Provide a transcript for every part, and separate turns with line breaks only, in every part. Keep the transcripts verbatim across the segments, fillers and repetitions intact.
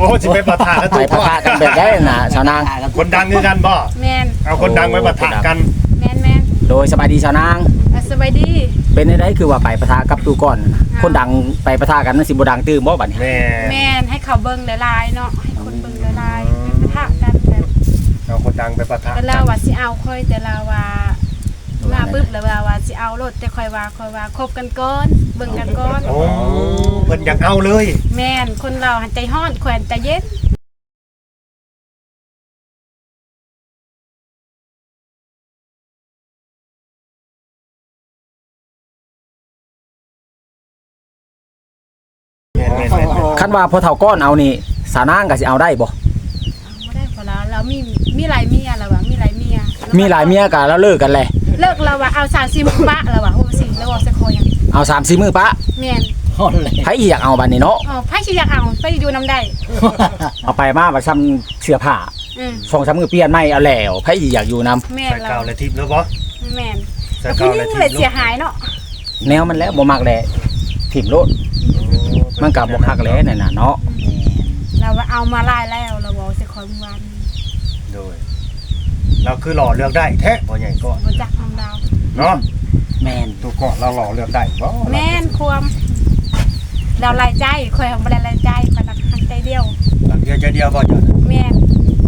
อ้สิไปปะทะกัน
ไปปะทะกันแบบได้น่ะชาวนาง
คนดังคือกันบ่
แม่น
เอาคนดังไปปะทะกัน
แม่นแม่น
โดยสบายดีชาวนาง
อ่ะสบายดี
เป็นได้คือว่าไปปะทะกับตูก่อนน่ะคนดังไปปะทะกันมันสิบ่ดังตื้มบ่บัดนี้
แม่
แม่นให้เขาเบิ่งหลายๆเนาะให้คนเบิ่งหลายๆไปปะทะกันแบบ
เอาคนดังไปปะทะ
แต่เราว่าสิเอาค่อยแต่เราว่ามาปึ๊บแล้วเราว่าสิเอารถแต่ค่อยว่าค่อยว่าคบกันก่อนเบิ่งกันก่อน
โอ้เพิ่นอยากเอาเลย
แม่นคนเราหันใจฮ้อนแขวนใจเย็น
แม่นแม่นแม่น
คันว่าพอเฒ่าก้อนเอานี่สาวนางก็สิเอาได้บ่
เอาบ่ได้พอแล้วเรามีมีหลายเมียแล้วว่ามีหลายเมีย
มีหลายเมียก็แล้วเลิกกันแหละ
เลิกแล้วว่าเอาสามสิบปะแล้วว่าโอ้สิแล้วว่าสักคนยัง
เอาสามสี่มื้อปะ
แม่น
ฮอนเลย
ไผอีอยากเอาบัดนี้เนาะ
อ๋อไผสิอยากเอาไปอยู่นำได้
เอาไปมาว่าซ้ำเสื้อผ้า
อืม
สองสามมื้อเปลี่ยนใหม่เอาแล้วไผอีอยากอยู่นํ
แม่น
ใส่
เรา
เก่าและทิพย์แล้วบ่
แม่น
ใส่
แล้ว
เก่า
ผู้ห
และ
ญิง
ทิพ
เลย
ย์
เสียหายเนาะ
แนวมันแล้วบ่มักแลถิ่มโลดมันก็บ่คักแลนั่นน่ะเนาะ
เราว่าเอามาไล่แล้วเราบอกสิคอยวัน
โดยเราคือหล่อเลือกได้แท้บ่ใหญ่ก่อน
บ่จักทำดาว
เนาะ
แมน
ตัวก่อนเราหล่อเลือกได้บ่
แม่นความเราไล่ใจคอยบ่ได้ไล่ใจคอยตักทางใจเดียว
หลังเดียวใจเดียวบ่จ้ะ
แม่น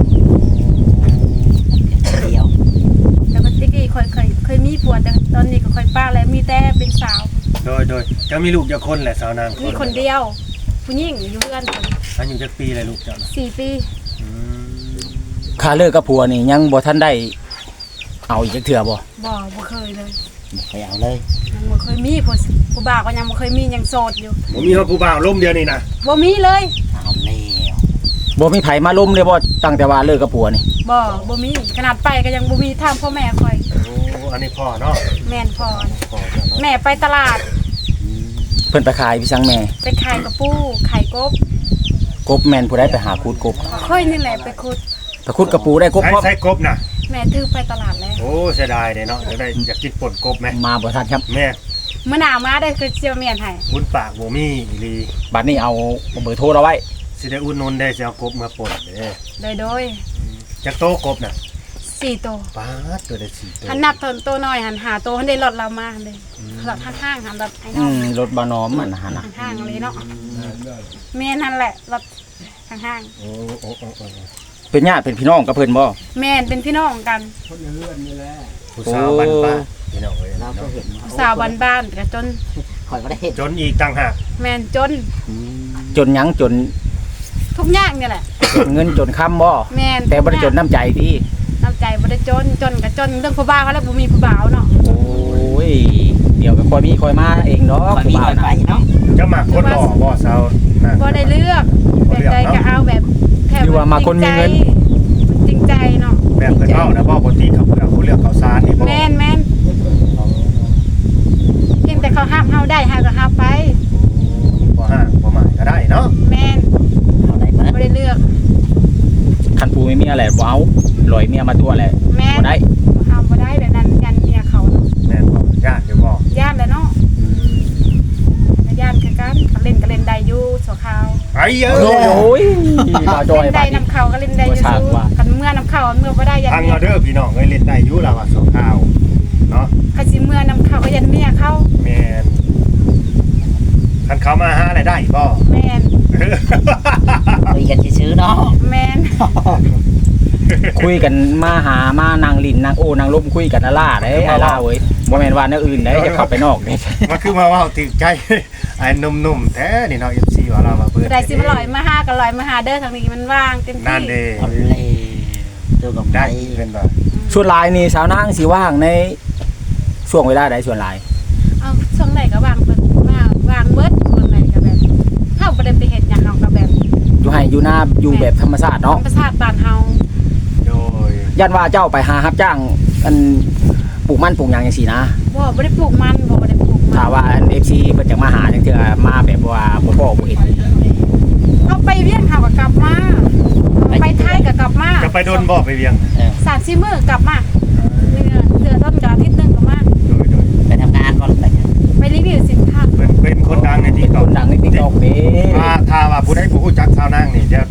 เดียว
แต่ปกติเคยเคยเคยมีผัวแต่ตอนนี้ก็ค่อยป้าแล้วมีแต่เป็นสาว
โดยโดยจะมีลูกจักคนแหละสาวนาง
มีคนเดียว ผู้หญิงอยู่เพื่อนผม
อายุจักปีเลยลูกเจ้าน่ะ
สี่ปี
อืม
ค่าเลิกกับผัวนี่ยังบ่ทันได้เอาอีกจักเทื่อบ่
บ่บ่เคยเลย
ไปเอาเลย
ยังบ่เคยมีผู้ผู้บ่าวก็ยังบ่เคยมียังโสดอยู่
ผมมีเขาผู้บ่าวล่มเดียวนี่นะ
บ่มีเลย
เอาแล้ว
บ่มีไผมาล้มเลยบ่ตั้งแต่ว่าเลิกกับผัวนี่
บ่บ่มีขนาดไปก็ยังบ่มีทางพ่อแม่คอย
โอ้อันนี้พ่อเนาะ
แม่นพอ
พ่อเจ้าเนาะ
แม่ไปตลาด
เพิ่นไปขายพี่สังแม่
ไปขายกระปูขายกบ
กบแม่นผู้ใดไปหาคูดกบ
ค่อยนี่แหละไปขุด
ไปขุดกระปูได้กบ
ใช้
พร้อม
ใช้กบน่ะ
แม่ถือไปตลาดแล้ว
โอ้เสียดายเลยเนาะอยากได้อยากกินป่นกบไหม
มาบ่ทันครับ
แม่
เมื่อหนาวมาได้คือเจียวเมียนให้
บุญปากบ่มีอีหลี
บัดนี้เอาเบอร์โทรเราไว้
สิได้อุ่นนนได้สิเอากบมาป่นเด้
โดยโดย
จักโตกบน่ะ
สี่ตัว
ป๊าดตัวได้สี่ตัว
หันนับตัวตัวน้อยหันหาตัวหันได้ลดเรามาเลยลดข้างๆหันลดไอ้
อื
น้อง
มรถบ่น้อมมันน่ะหั่นน่ะ
ข้างๆเลยเนาะแม่นั่นแหละลดข้าง
โอ้โอ้โอ้โอ้
เป็นญาติเป็นพี่น้องกับเพิ่นบ่
ๆแม่เป็นพี่น้องกัน
ผู้สาวบ้านป้าพี่น้องเอ้ย
เราก็
เนาะ
เห็น
สาวบ้านๆแต่จน
คอยก็ได้เห็น
จนอีกต่างหาก
แม่นจน
จนหยังจน
ทุกอย่างนี่แหละ
จนเงินจนค้ำบ่
แม่น
แต่บ่ได้จนน้ำใจที่
น้ำใจบ่ได้จนจนกับจนเรื่องผู้บ่าวเขาแล้วบ่มีผู้บ่าวเนาะ
โอ้ยเดี๋ยวก็ค่อยมีค่อยมาเองเนาะ
คอยมีคอยไปเนาะ
จะมาคนหล่อบ่สาวน่ะ
บ่ได้เลือกแบบใดก็เอาแบบแค่
หรือว่ามาคนมีเงิน
จริงใจเนาะ
แบบเพิ่นเว้านะบ่ปกติเขาเลือกเขาเลือกข้าวสารนี่บ่
แม่นแม่นเพียงแต่เขาห้ามเฮาได้เฮาก็ห้ามไป
บ่ห่างบ่หมายก็ได้เนาะ
แม่น
เอาได้เบิด
บ่ได้เลือก
คันปูไม่มีอะไรบ่เอาลอยเมียมาตัวแหละ
แม่น
บ่ได้
ห้ามบ่ได้แบบนั้นยันเมียเขาเนาะ
แม่นบ่ญาติอยู่บ่
ย่านแหล้วเนาะแล้วย่านคือกันเขาเล่นก็เล่นได้อยู่สัวขาว
ไอ้เยอะ
โอ้ยมาจอย
เล่น
บา
ได้
ดนี้
น้ำเขาก็เล่นได้อยู่
บ่ชาติ
สู้
ว่า
กันเมื่อน้ำเขาเมื่อบ่ได้ยัน
ทาง
เมีย
เอาเด้อพี่น้องเอ้ยเล่นได้อยู่แล้วว่าสองข้าวเนาะ
คันสิเมื่อน้ำเขาก็ยันเมียเขา
แม่นคันเขามาหาอะไรได้บ่
แม่น
คุยกันซื้อๆเนาะ
แม่น
คุยกันมาหามานั่งลิ้นนั่งโอ้นั่งลมคุยกันน่ะล่าเด้ไอ้ล่าเว้ยบ่แม่นว่าแนวอื่นเด้จะเข้าไปนอกเด้
มันคือมาเว่าถึงใจ ไอ้หนุ่มๆแท้นี่เนาะ เอฟ ซี ว่าเรามาเปิด
ได้สิมาลอยมาหาก็ลอยมาหาเด้อทางนี้มันว่างเต็ม
นั่น
ที่
เด้
เอาเลยตัวกับ
ได้
ได้
เป็นบ่
ส่วนหลายนี่สาวนางสิว่างในช่วงเวลาใดส่วนหลาย
เอาช่วงไหนก็ว่างเปิดมาวางเบิดช่วงไหนก็แบบเฮาบ่ได้ไปเฮ็ดหยังเฮาก็แบบ
อยู่ให้อยู่หน้าอยู่แบบธรรมชาติเนาะ
ธรรมชาติบ้านเฮา
โดย
ยันว่าเจ้าไปหารับจ้างอันปลูกมันปลูกหยังจังซี่นะ
บ่บ่ได้ปลูกมันบ่บ่ได้ปลูกมั
ถ้าว่าอัน เอฟ ซี เพิ่นจะมาหาจังเทื่อมาแบบว่าบ่พ้อบ่เห็น
เฮาไปเวียงเฮาก็กลับมาไปไทยก็กลับมา
จะไปโดนบ่ไปเวียง
เออ
สามสี่มื้อกลับมาเดือนเดือนต้นก็อาทิตย์หนึงก็มา
โดยโดย
ไปทำงานบ่หรือไปหยัง
ไปรีวิวสินค้า
เป็นเป็นคนดังใน
เป็
ที่
นค
เก่าน
ดังใน TikTok เด้
ถ้าถ้าว่าผู้ใดผู้รู้จักชาวนางนี่จะ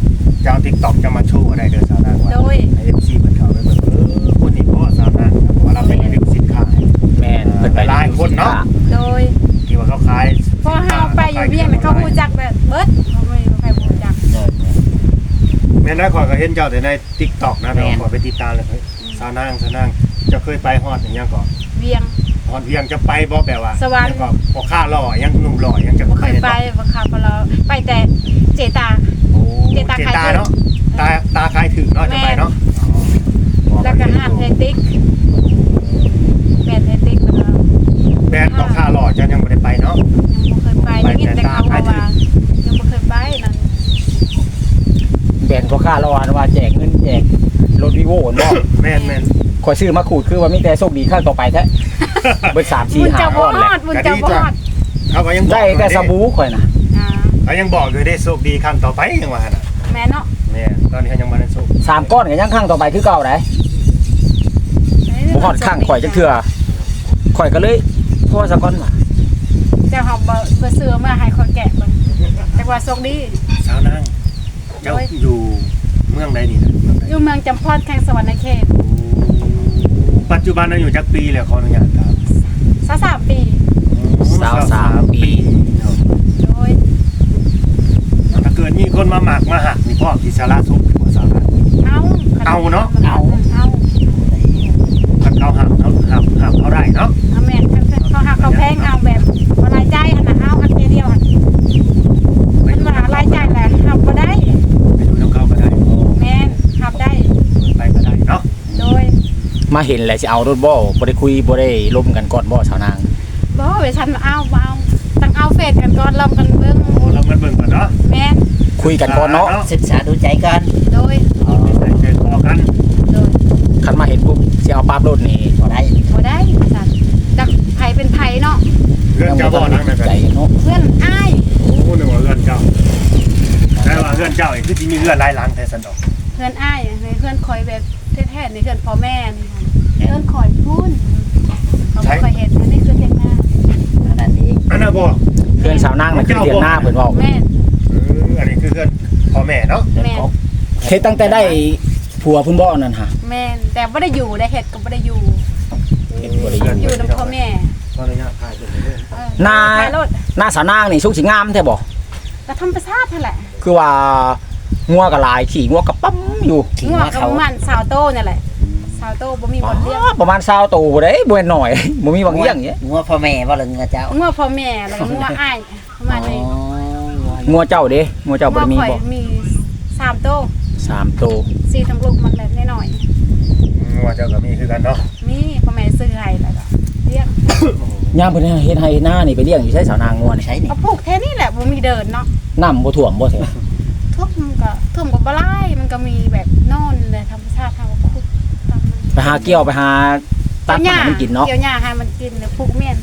จะเอา TikTok จะมาโชว์ได้เด้อสาวนางว่า
โดย
ให้ เอฟ ซี เพิ่นเข้าไปเบิ่งเออคนนี้บ่สาวนางเพราะว่าเราเป็นรีวิวสินค้าให้
แม่นเพิ่นไป
หลายคนเนาะ
โดย
ที่ว่าเขาขาย
พอเฮาไปอยู่เวียงน่ะเขาฮู้จักแบบเบิดเขาไม่มีใครฮู้จัก
เดิน
แม่นได้ข่อยก็เห็นเจ้าแต่ใน TikTok นะ
แม่
เนาะ
น
ข่อยไปติดตามเลยเฮ้ยสาวนางสาวนางเจ้าเคยไปฮอดอีหยังก่อน
เวียง
ฮอดเวียงจะไปบ่แบบว่า
สวรรค์
แล้วก็บ่ค่าหล่อยังหนุ่มหล่อยังจะ
บ่เคย
ด้
ไป
บ่
บ่ค่ะเพราะเราไปแต่เจตา
โอ้
เจตา
เจ
ขาย
ตา
ถึง
เนาะตาตาคายถึงเนาะจะไปเนาะ
แล้วก็ห้านเทติกแบรนด์เทติกเพิ่นว่า
แบรนด์บ่ค่าหล่อจะยังบ่ได้ไปเนาะ
ยังบ่เคยไปได้ยินแต่เขาว่าว่ายังบ่เคยไปนั่น
แบนพ่อค้ารอว่าแจกเงินแจกรถวีโว่บ่
แม่นแม่น
ข่อยซื้อมาขูดคือว่ามีแต่โชคดีข้างต่อไปแท้เบิดสามสี่
บุญ
ห้า
เจ้า
ก้
บ่
อน
ฮ
แหละ
อดบุญเจ้าบ่ฮอด
เขาก็ยังบอก
ได้แต่สบู่ข่อยน่ะ
อ่า
เขายังบอกอยู่ได้โชคดีครั้งต่อไปยังว่าหั่นน่ะ
แม่เนาะ
แม่ตอนนี้เขายังบ่ได้โชค
สามก้อนก็ยังข้างต่อไปคือเก่าได้บ่ฮอดข้างข่อยจักเทื่อข่อยก็เลยโทรสักก้อนว่า
เจ้าเฮาบ่บ่ซื้อมาให้คนแกะเบิ่งแต่ว่าโชคดี
สาวนางเจ้าอยู่เมืองใดนี่นะเมืองใด
อยู่เมืองจำพอดแข่งสวรรค์เขต
ปัจจุบันเราอยู่จักปีแล้วขออนุญาตครับ
ซะสามปี
สาวสามปี
โดย
ถ้าเกิดมีคนมาหมักมาหักนี่พ่อที่สาระสุขกว่าสาระ
เอา
เอาเนาะ
เอาเอา
ถ้าเขาหักเขาหักหักเขาได้เนาะ
เอาแม่นเขาหักเขาแพงเอาแบบบ่รายจ่ายหั่นน่ะเอาอันเดียวหั่นมันว่ารายจ่ายแหละหับบ่ได้
ไปดูน้องเขาก็ได้
แม่นหับได้
ไปก็ได้เนาะ
โดย
มาเห็นแล้วสิเอารถบ่บ่ได้คุยบ่ได้ล้มกันก่อนบ่สาวนาง
บ่เวฉันเอาบ่เอาต้องเอาเฟซกันก่อนลองกันเบิ่ง
โอ้เรามันเบิ่งก่อนเนาะ
แม่น
คุยกันก่อนเนาะ
ศึกษาดูใจกัน
โดย
อ๋อ
ใส่ใจคอกัน
โดย
คันมาเห็นปุ๊บสิเอาปั๊บรถนี่
บ่ได้
บ่ได้สั่นจักไผเป็นไผเนาะ
เรื่องเจ้าบ่อนั่งนั่นกัน
ใจเนาะ
เพื่อนอ้าย
โอ้หนึ่งว่าเรื่องเจ้าแต่ว่าเรื่องเจ้าเองคือที่มีเรื่องหลายหลังแท้สันดอก
เพื่อนอ้ายในเพื่อนคอยแบบแท้ๆในเพื่อนพ่อแม่นี่ค่ะเพื่อนคอยพูนเขาบ่คอยเห็นอันนี้คือเทียงหน้า
อันนั้นนี้
อันน่ะบ่
เพื่อนสาวนางน่ะคือเลี้ยงหน้าเพิ่นเว้า
แม่น
เอออันนี้คือเพื่อนพ่อแม่เนาะ
เดิน
แม่
พบ
เฮ็ดตั้งแต่ได้ผัวเพิ่นบ่นั่นฮะ
แม่นแต่บ่ได้อยู่ได้เฮ็ดก็บ่ได้อยู่
เฮ็ดบ่ได้อยู่
อยู่นํพ่อแม่
ขออนุญาตถ่ายเป็นเรื่อง
เออ
นา
ถ่ายรถ
หน้าสาวนางนี่สุกสิงามแท้บ่
ก็ธรรมชาตินั่นแหละ
คือว่างัวก็หลายขี่งัวก็ปั๊มอยู่
ทิ้ง
งัว
ว่า
กับ
เขา
มันสาวโตนั่นแหละสาวโตบ่มีบ่เลี้ยง
อ๋อประมาณ20ตัวบ่ได้บ่แม่นน้อย บ่มีบางอย่างเงี้ย
งัวพ่อแม่บ่เลยงัวเจ้า
งัวพ่อแม่แล้วก็งัวอ้ายประมาณนี้
งัวเจ้าเด้งัวเจ้าบ่ได้มี
ข่อย
บ่
มีสามโต
สามตัว
สี่ทั้งลูกมันแบบน้อย
ว่าเจ้าก็มีคือกันเนาะ
ๆมีพ่อแม่ซื้อให้แล้วก็เลี้ยง
ยามเพิ่นเฮ็ดให้หน้านี่ไปเลี้ยงอยู่ใช้สาวนางงัวนี่
ใช่นี่
ก็ปลูกแค่นี้แหละบ่มีเดินเนาะ
น้ำบ่ท่วมบ่แท้
ท่วมก็ท่วมก็บ่ไล่มันก็มีแบบนอนเลยธรรมชาติทางก็คุกตามมัน
ไปหาเกี่ยวไปหาตักให้มันกินเนาะ
เกี่ยวหญ้าให้มันกินแล้วปลูกเมี่ยน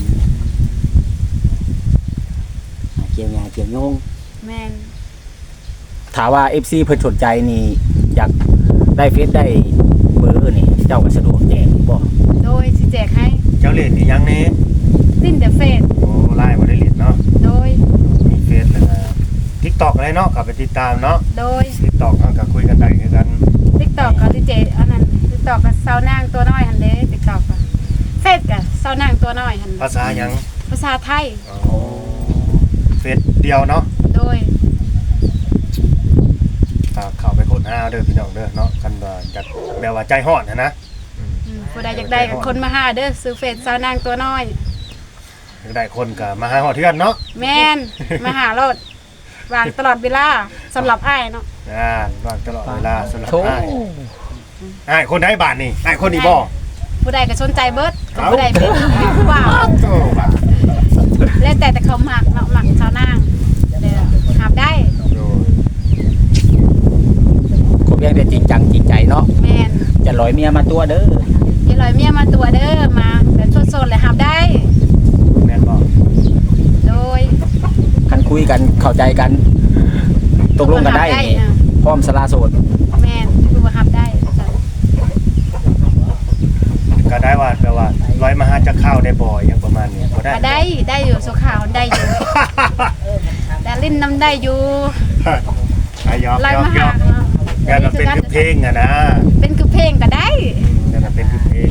เกี่ยวงาเกี่ยวโยง
แม่น
ถามว่า เอฟ ซี เพิ่นสนใจนี่อยากได้เฟซได้เบอร์นี่เจ้าก็สะดวกแจ้งบ่
โดยสิแจกให้
เจ้าเล่นอีหยังนี่
สิ้นเดอะเฟส
โอ้ไล่บ่ได้เล่นเนาะ
โดย
มีเฟซแล้วก็ TikTok อะไรเนาะก็ไปติดตามเนาะ
โดย
TikTok เฮาก็คุยกันได้คือกัน
TikTok ก็ดิเจอันนั้น TikTok ก็สาวนางตัวน้อยหั่นเด้ TikTok ก็เฟซก็สาวนางตัวน้อยหั่น
ภาษาหยัง
ภาษาไทย
อ๋อเฟซเดียวเนาะ
โดย
ฝากเข้าไปค้นหาเด้อพี่น้องเด้อเนาะกันว่าจักแบบว่าใจฮ้อนนะนะ
อืมผู้ใดอยากได้ก็คนมาหาเด้อซื้อเฟซสาวนางตัวน้อย
อยากได้คนก็มาหาฮอดเทือนเนาะ
แม่น มาหาโลดวางตลอดเวลาสำหรับอ้ายเนาะ
อ่าว่างตลอดเวลาสำหรับ
โธ่
อ้ายอ้ายคนใดบาทนี่อ้ายคนนี้บ่
ผู้ใดก็สนใจเบิดก็ผู้ใดเป็นผู้บ่าว
โธ่บาท
แล้วแต่แต่เขามักเนาะมักสาวนางเด้อหาบได้
โดย
คงเพียงแต่จริงจังจริงใจเนาะ
แม่น
จะลอยเมียมาตัวเด้อ
อย่าลอยเมียมาตัวเด้อมาแบบสดๆเลยหาบได้
แม่นบ่
โดย
คันคุยกันเข้าใจกันตกลงกันได้นี่
อ่ะ
พร้อมสละโสด
แม่นคือว่าหาบได้จ้ะ
ก็ได้ว่าแปลว่าร้อยมาหาจักข้าวได้บ่อยอย่างประมาณนี้บ่ได้
ก็ได้ได้อยู่สุขาวได้อยู่แต่ลิ้นน้ำได้อยู่
อายอก
ไล่
ยอก
มาย หา
อก
เนาะ
งานมันเป็นคือเพลงอะนะ
เป็นคือเพลงก็ได้
งานมันเป็นคือเพลง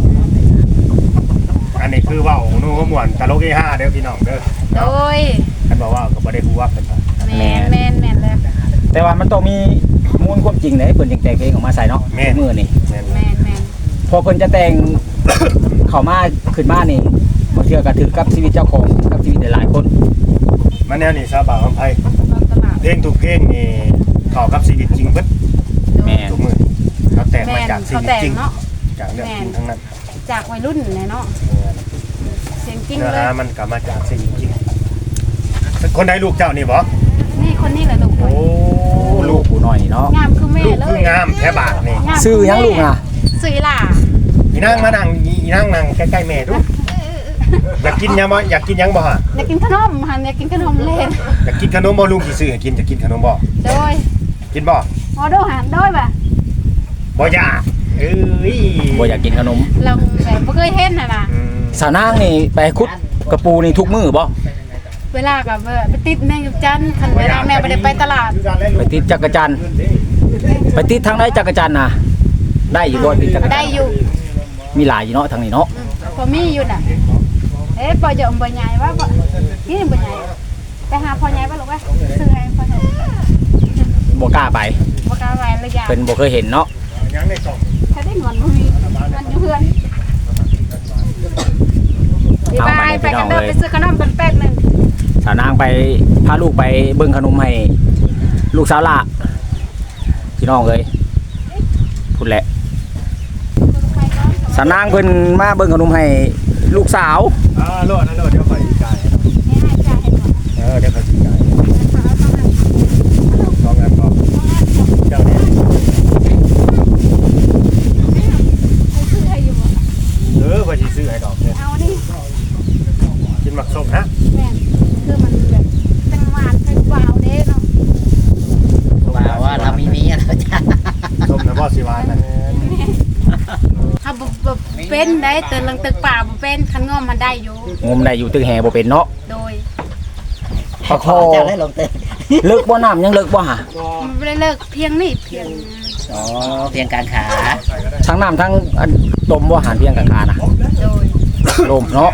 อันนี้คือเว้าหนูม่วนตลกเฮฮาเด้อพี่น้องเด้อ
โดย
ท่านบอกว่าก็บ่ได้ฮู้ว่าเป็นว่า
แม่นแม่นแม่นแล้ว
แต่ว่ามันต้องมีมูลความจริงเด้เพิ่นจึงแต่งเพลงออกมาใส่เนาะมื้อนี่
แม่น
แม่นแม่น
พอเพิ่นจะแต่ง เข้ามาขึ้นมานี่บ่เทื่อก็ถือกับชีวิตเจ้าของกับชีวิตหลายๆคน
มันแนวนี้ซาบ่าวอำไผ
ตลาด
เพลงทุกเพลงนี่เข้ากับชีวิตจริงเบิด
แม่น
ทุกมื้อเขาแต่งมา
แม่น
จากชี
เขา
วิต
แต่ง
จริง
เนาะ
จากเรื่องจริงทั้งนั้น
จากวัยรุ่นเลยเนาะเสียงจริง
เนื้อ
เลย
หามันก็มาจากชีวิตจริงคนใดลูกเจ้านี่บ่
นี่คนนี้แหละลูก
โอ้
ลูกผู้น้อยนี่เนาะ
งามคือแม่
ลูก
เล
คือย งามแท้บาทนี่
งาม
ชื่อหยังลูกน่ะ
ซื้อล่ะ
อีนางมานั่งอีนางนั่งใกล้ๆแม่ดูอยากกินยังบ่อยากกินยังบ่ฮะ
อยากกินขนมหันอยากกินขนมเล่น
อยากกินขนมบ่ลุงสิซื้อให้กินจะกินขนมบ่
โดย
กินบ่
ออโดหันโดยป่ะ
บ่อยากเอ้ย
บ่อยากกินขนม
เราแบบบ่เคยเห็นน่ะนะ
อืม
สาวนางนี่ไปขุดกระปูนี่ทุกมื้อบ่
เวลากับไปติดแม่กับจันคันเวลาแม่บ่ได้ไปตลาด
ไปติดจักรจันทร์ไปติดทางไหนจักรจันทร์น่ะได้อยู่บ่ติดจักรจันทร์
ได้อยู่
มีหลายอยู่เนาะทางนี้เนาะ
อืมพอมีอยู่น่ะเอ๊ะปอจะอมบ่ใหญ่ว่าบ่นี่บ่ใหญ่ไปหาพ่อใหญ่บ่ลูกว่าซื้อให้พ่อใหญ่
บ่กล้าไป
บ่กล้าไว้เลยยา
เพิ่นบ่เคยเห็นเนาะ
ยังในกล่อง
ถ้าได้เงินบ่มีมันอยู่เพื่อนบ๊ายบายไปกันเด้อไปซื้อขนมกันแป๊บนึง
สาวนางไปพาลูกไปเบิ่งขนมให้ลูกสาวละพี่น้องเอ้ยพูดแหละสาวนางเพิ่นมาเบิ่งขนมให้ลูกสาว
อ่าโลดนะโลดเดี๋ยวค่อยสิจ่าย
ให้ให้จ่ายให้ก่อน
เออเดี๋ยวค่อยสิจ่ายสองอันบ่เจ้านี่
ซื้อให้อยู่บ่
เออค่อยสิซื้อให้ดอกเนี่ย
เอานี่
กินหมักส้มนะ
แม่นคือมันแบบเป็นหวานเป็นหวาวเด้เนาะ
ว่าว่าเรามีเมียแล้วจ้ะ
ส้มนะบ่สิหวานนะ
ถ้าบ่บ่เป็นได้เตือนลังตึกป่าบ่เป็นคันงอมมันได้อยู่
งมได้อยู่ตึกแห่บ่เป็นเนาะ
โดย
ปลาคอ
เจ้าได้ลงเต้น
เลิกบ่น้ำยังเลิกบ่หะ
มันบ่ได้เลิกเพียงนี่เพียง
อ๋อเพียงการขา
ทั้งน้ำทั้งอันต้มบ่อาหารเพียงกลางคานะ
โดย
ลมเนาะ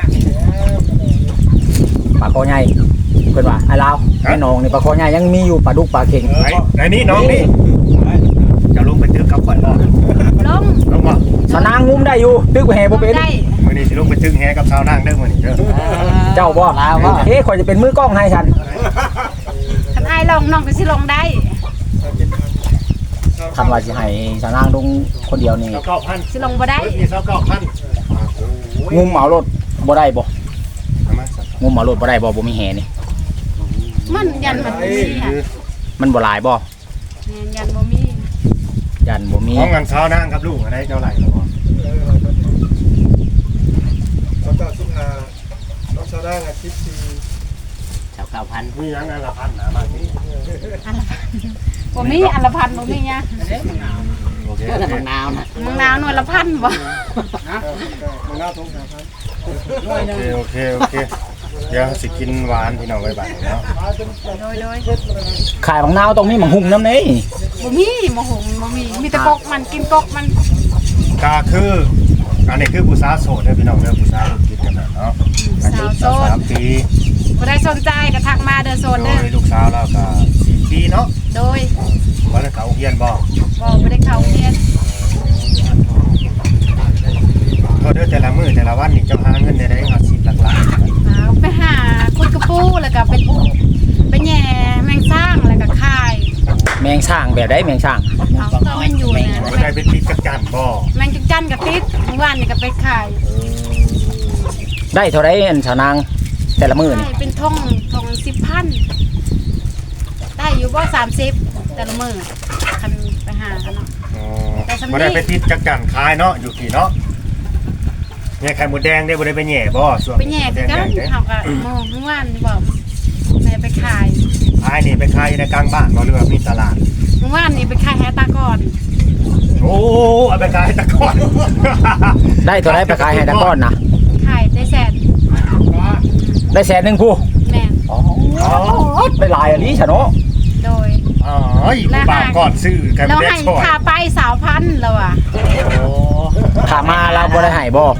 ปลาคอใหญ่เพิ่นว่าไอ้ลาวไอ้น้องนี่ปลาคอใหญ่ยังมีอยู่ปลาดุกปลาเข็ง
ไอ้ไอ้นี่น้องนี่จะลงไปตึกกับข่อยบ่
ลง
ลงบ่
สาวนางงุมได้อยู่ตึกแห่บ่เป็น
ได้
มื้อนี้สิลงไปตึกแฮกับสาวนางเด้อมื้อนี้เด้อ
เจ้าบ่
ลาวว่า
เอ๊ะข่อยจะเป็นมือกล้องให้ฉัน
คันอ้ายลงน้องก็สิลงได้
คันว่าสิให้สาวนางลงคนเดียวนี่
เก้าพัน
สิลงบ่ได้
นี่เก้าพัน
งุมเอารถบ่ได้บ่
เอามาสัก
งุมเอารถบ่ได้บ่บ่มีแห่นี่
มันยันมันบ่มีค่ะ
มันบ่หลายบ่
แม่นยันบ่มี
ยันบ่มี
ของเงินสาวนางกับลูกอะไรเท่าไหร่แล้วบ่
แล้วก็สุขาน้องชาวด้านอาทิตย์สี่
ชาวเก้าพัน
มีหยังอันละพันนะมาที่
อันละพันบ่มีอันละพันบ่มีหยัง
โอเค
เพื่อนมะนาวนะ
มึงนาวหน่วยละพันบ่
มันน่าสงสารครับ
โอเคโอเคโอเคเดี๋ยวสิกินหวานพี่น้องไว้บัดนี้เนาะ
โดยโดย
ขายบางนาวตรงนี้หมังหุ่งน้ำนี่
บ่มีบ่หงบ่มีมีแต่กกมันกินกกมัน
ก็คืออันนี้คือผู้สาวโสดเด้อพี่น้องเด้อผู้สาวกินกันนะเนาะอายุ
สาวโสด
สามปี
บ่ได้สนใจก็ทักมาเด้อโซน
โด
เด้อย
ลูกสาวเราก็สี่ปีเนาะ
โดย
บ่ได้เข้าโรงเรียนบ่
บ่บ่ได้เข้าโรงเรียน
ก็เด้อแต่ละมื้อแต่ละวันนี่เจ้าหาเงินได้ได้เอาสิบหลักล้าน
เอาไปหาคุดกระปูแล้วก็ไปไปแหย่แมงสร้างแล้วก็คาย
แมงช่างแบบได้แมงช่าง
เอาก็มันอยู่นะ
บ่ได้เป็นติดจักจันบ่
แมงจักจันกับติดเมื่อวานนี่ก็ไปขาย
ได้เท่าไรอันสาวนางแต่ละมื้อนี่
ใช่เป็นทงทงสิบพันได้อยู่บ่สามสิบแต่ละมื้อคันไปหากันเนาะ
อ๋อ
แต่สำนี
บ่ได้ไปติดจักจันขายเนาะอยู่ที่เนาะแง่ไข่หมูแดงได้บ่ได้ไปแหย่บ่ช่วง
ไปแหย่คือกัน
เด้
เฮาก็โมเมื่อวานนี่บอกแม่ไปขาย
ขายนี่ไปขายอยู่ในกลางบ้านบ่หรือว่ามีตลาด
เมื่อวานนี่ไปขายแฮตาก่อน
โอ้เอาไปขายตะกอน
ได้เท่าไรไปขายให้ตะก้อนนะ
ขายได้แสน
ได้แสนหนึงผู้
แม่น
อ๋อได้หลายอันนี้ฉันเนาะ
โดย
อ๋ออ้ยผู้บ่าวก่อนซื้อกัน
เรา
แบก
ให้
ช่อย
ค่าไปสาวพันแล้วอ่ะ
โอ้
ขามาเราบ่ได้ให้บ่
บ่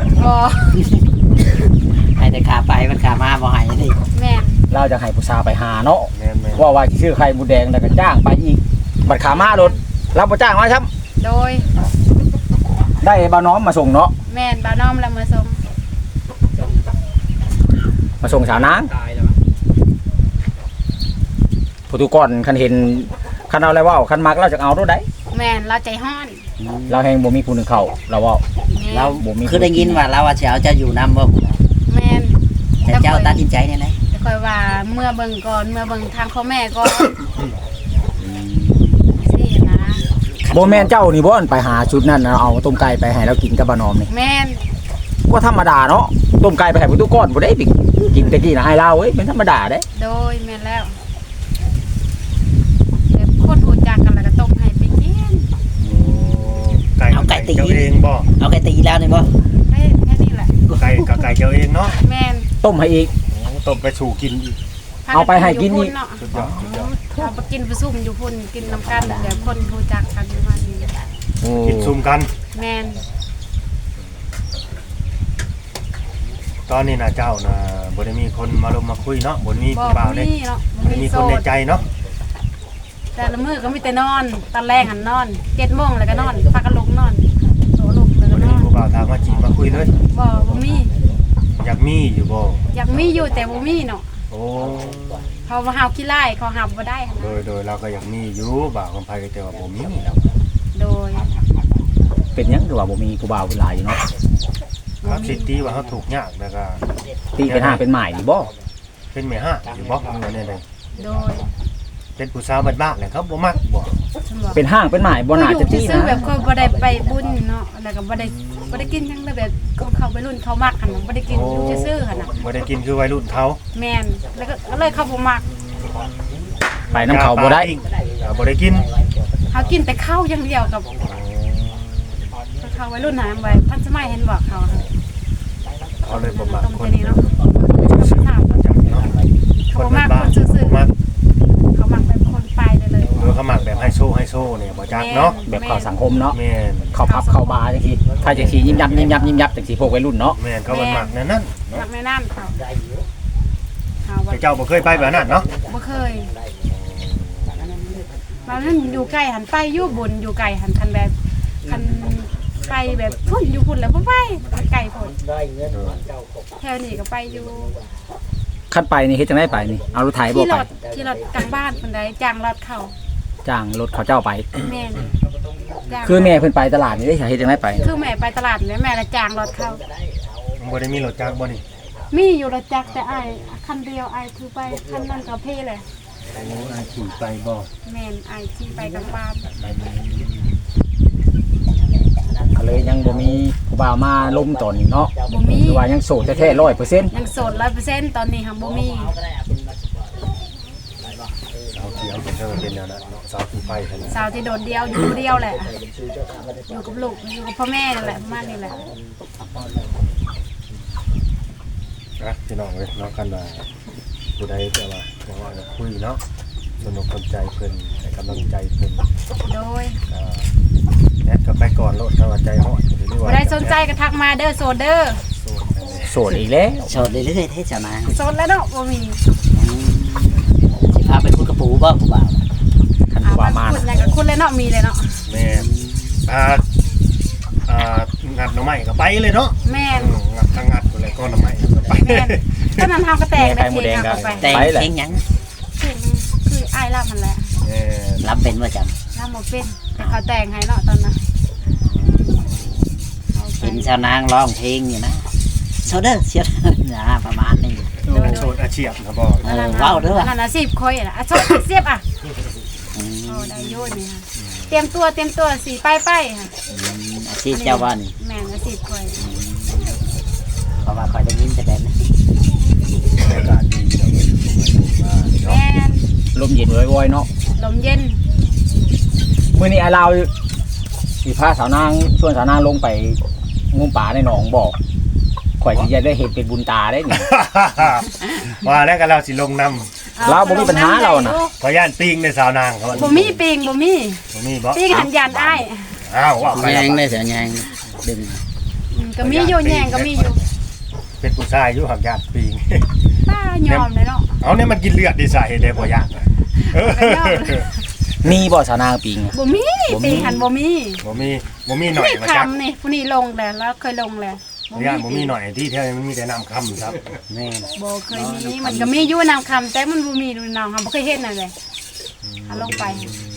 ให้แต่ขาไปมันขามาบ่ให้นี่
แม่น
เราจะให้ผู้สาวไปหาเนาะ
แม่นแม่น
ว่าว่าสิซื้อไข่หมูแดงแล้วก็จ้างไปอีกบัดขามารถเราบ่จ้างมาครับ
โดย
ได้บ่าวน้อมมาส่งเนาะ
แม่นบ่าวน้อมแล้วมาส่ง
มาส่งสาวนางผู้ทุกคนคันเห็นคันเอาอะไรเว้าคันมักเราจะเอาตัวใด
แม่นเราใจฮ้อน
เราแฮงบ่มีผู้หนึงเข้าเราเว้า
แม่น
เรา
บ่มี
คือได้ยินว่าเราว่าสิเอาเจ้าอยู่นำบ่
แม่น
แต่เจ้าตัดสินใจได้ไหน
แต่ค่อยว่าเมื่อเบิ่งก่อนเมื่อเบิ่งทางพ่อแม่ก่อนสินะ
บ่แม่นเจ้านี่บ่อนไปหาชุดนั้นน่ะเอาต้มไก่ไปให้เรากินกับบ่าวน้อมนี่
แม่น
ก็ธรรมดาเนาะต้มไก่ไปให้ผู้ทุกคนบ่ได้ไปกินตะกี้น่ะให้เราเอ้ยเป็นธรรมดาเด้
โดยแม่นแล้วแบบคนรู้จักกันแล้วก็ต้มให้ไปกิน
ไก่ไก่เจ้าเองบ่
เอาไก่ตีแล้วนี่บ่
แค่แค่นี้แหละ
ไก่กับไก่เจ้าเองเนาะ
แม่น
ต้มให้อีก
โอ้ต้มไปสู่กินอีก
พ
เอาไปให้กินอีก
เนาะ
สุดยอดสุดยอด
เอาไปกินไปซุ่มอยู่พุ่นกินน้ำกันแบบคนรู้จักกันประมาณนี้
กินซุ่มกัน
แม่น
ตอนนี้นะเจ้านะบ่ได้มีคนมาลงมาคุยเนาะบ่ได้มี
บ่
ผู้บ่าว
บ่
เด้
มีเนาะบ่
บ่ได้มี
โส
คนใน
ด
ใจเนาะ
แต่ละมื้อก็มีแต่นอนตอนแรกหันนอนเจ็ดโมงแล้วก็นอนพากันลงนอนโตลงแล้ว
บ่
ก็
ได้
น
มี
อน
ผู้บ่าวถามมาจีบมาคุยเลย
บ่บ่มี
อยากมีอยู่บ่
อยากมีอยู่แต่บ่มีเนาะ
โอ้
เพราะว่าเฮาขี้ไล่เขาหับบ่ได้หั้น
โด
นะ
ยโดยเราก็อยากมีอยู่บ่าวคนไผก็แต่ว่าบ่มีแล้ว
โดย
เป็นหยังคือว่าบ่มีผู้บ่าวผู้หลายอยู่เนาะ
ครับสิทธิว่าเฮาถูกข์ยากแล้วก็
ตีเป็นห้างเป็นหมายนี่บ่
เป็นแม่ห้าอยู่บ่เงินนี่เลย
โดย
เป็นผู้สาวบ้านๆเลยครับบ่มักบ่
ฉันบอก
เป็นห้างเป็นหมายบ่น่าจะตี
ซื้อ
นะ
แบบเขาบ่ได้ไปบุญเนาะแล้วก็บ่ได้บ่ได้กินหยังเลยแบบเขาเขาไปรุ่นเขามักหั่นน่ะบ่ได้กินอยู่ซื่อๆหั่นน่ะ
บ่ได้กินคือวัยรุ่นเขา
แม่นแล้วก็ก็เลยเขาบ่มัก
ไปน้ำเขาบ่ได้
อ่าบ่ได้กิน
เขากินแต่ข้าวอย่างเดียวกับเขาวัยรุ่นหาไว้ท่านสมัยเห็นบอกเขาค่ะ
เขาเลยบ่มัก
ตรง
คน
นี้เนาะ
ซื่อ
ถาม
ๆจักเนาะ
เขา
คน
บ่มัก
บ้า
คน นซื่อ
ๆมัก
ๆเขามักแบบคนไปเลยเลย
หรือเขามักแบบไฮโซไฮโซเนี่ยบ่จักเนาะ
แบบเข้าสังคมเนาะ
แม่น
เข้าพับเข้าบาร์จังซี่ถ้าจังซี่ยิ้มยับยิ้มยับยิ้มยับจังซี่พวกวัยรุ่นเนาะ
แม่นเขาบ่มักแนั่นนั่น
มักแม่น้ำเขาเขาว่า
แต่เจ้าบ่เคยไปแบบนั้นเนาะ
บ่เคยบางนั้นอยู่ไกลหันไปอยู่บนอยู่ไกลหันคันแบบคันไปแบบพุ่นอยู่พุ่นแล้วบ่ไปไกลพุ่นแถวนี้ก็ไปอยู่
คันไปนี่เฮ็ดจังได๋ไปนี่เอารถไถบ่
ที่
ไป
รถที่รถกลางบ้านคนใดจ้างรถเขา
จ้างรถเขาเจ้าไป
แม่นจ้าง
คือแม่เพิ่นไปตลาดนี่ได้เฮ็ดจังได๋ไป
คือแม่ไปตลาดแล้วแม่ละจ้างรถเขา
บ่ได้มีรถจักรบ่นี่
มีอยู่รถจักรแต่ไอ้ายคันเดียวไอ้ายถือไปคันนั้นกับพี่เลย
โอ้อาขี่ไปบ่
แม่นไอ้ายขี่ไปกลางบ้าน
ก็เลยยังบ่มีผู้บ่าวมาล้มตอนนี้เนาะ
บ่มี
คือว่ายังโสดแท้ๆร้อยเปอร์เซ็นต์
ยังโสดร้อยเปอร์เซ็นต์ตอนนี้ค่ะบ่มี
สาวเขียวเป็นเด้อเป็นแนวนั้นเนาะสาวขี่ไปคั่นน่ะ
สาวที่โดดเดียวอยู่คนเดียวแหละ อยู่กับลูกอยู่กับพ่อแม่นั่นแหละประมาณนี้แหละ
นะพี่น้องเอ้ยเนาะกันว่าผู้ใดแต่ว่าแต่ว่าจะคุยเนาะสนุกสนใจเพิ่นให้กำลังใจเพิ่น
โดย
ก็แอดก็ไปก่อนโลดถ้าว่าใจฮอดหรือ
บ่
ว่า
ได้สนใจก็ทักมาเด้อโสดเด้อ
โสดนั่นแหละ
โสดอีกแล้ว
โสดเรื่อยๆเท่เจ้านาง
โสดแล้วเนาะบ่มี
อืมสิพาไปคุยกับปู่บ่ผู้บ่าว
คัน
เอา
ผู้บ่าว
มา
มา
คุณ
น่ะ
ยังกับคุณเลยเนาะมีเลยเนาะ
แม่นอ่าอ่างัดหน่อไม้ก็ไปเลยเนาะ
แม่น
อืมงัดทางงัดก็เลยก็หน่อไม้ก็ไป
แม่นตอนนั้นเฮาก็แตก
ไข่หมูแดงก็
ไป
แต่ง
ไปแหละ
เพลงหยัง
คือคืออ้ายล่ามันแหละ
แม่น
รำเป็นว่าจ
ล่าบ่เป็นแต่เขาแต่งให้เนาะตอนนั้นเอา
ำ
ไป
เห็นชาวนางร้องเพลงอยู่นะโซเดอร์เสียนะประมาณนี้
โสดอาชีพนะบ่
เออเว้าเด้อ
อั
ว่ะ
นนั้นอาชีพคอยน่ะอ่ะชอบเสียบอ่ะ
อืม
โอ้ได้โยนนี่ค่ะเตรียมตัวเตรียมตัวสีป้ายป้ายค่ะ
อาชีพเจ้าว่านี่
แม่นอาชีพคอย
เพราะว่าคอยได้ยินแต่แบบนั้น
บรรยากาศดีเนาะมาเนาะ
แม่น
ลมเย็นว้อยๆเนาะ
ลมเย็น
มื้อนี้ไอ้ลาวสิพาสาวนางชวนสาวนางลงไปงมป่าในหนองบ่ข่อยสิจะได้เห็นเป็นบุญตาได้นี่
ว่าแล้วก็เราสิลงน
เราบ่มีปัญหาเราน่ะ
ขอย่านปิงในสาวนางเขาว่า
บ่มีปิงบ่มี
บ่มีบ่
ปิงหันยันอ้าย
อ้าวว่าไป
แย
แล้ว
งได้เสียแยงดึง
อืมก็มีอยู่แยงก็มีอยู่
เป็นผู้ชายอยู่หักย่านปิง
ป้ายอมเลยเนาะ
เอาเนี่ยมันกินเลือดดีสาเหตุใดบ่ย่านน่ะเออ
มีบ่สาวนางปิงอะ
บ่มีปิงหันบ่มี
บ่มีบ่มีหน่อย
นี่
มาจัก
คำนี่ผู้นี้ลงแล้วแล้วเคยลงแล้ว
ย่านบ่มีหน่อยที่แท้มันมีแต่น้ำค่ำครับ
แม่น
บ่เคยมีมันก็มีอยู่นำคำแต่มันบ่มีดูนำคำบ่เคยเห็นนั่นแหละเอาลงไป
อืม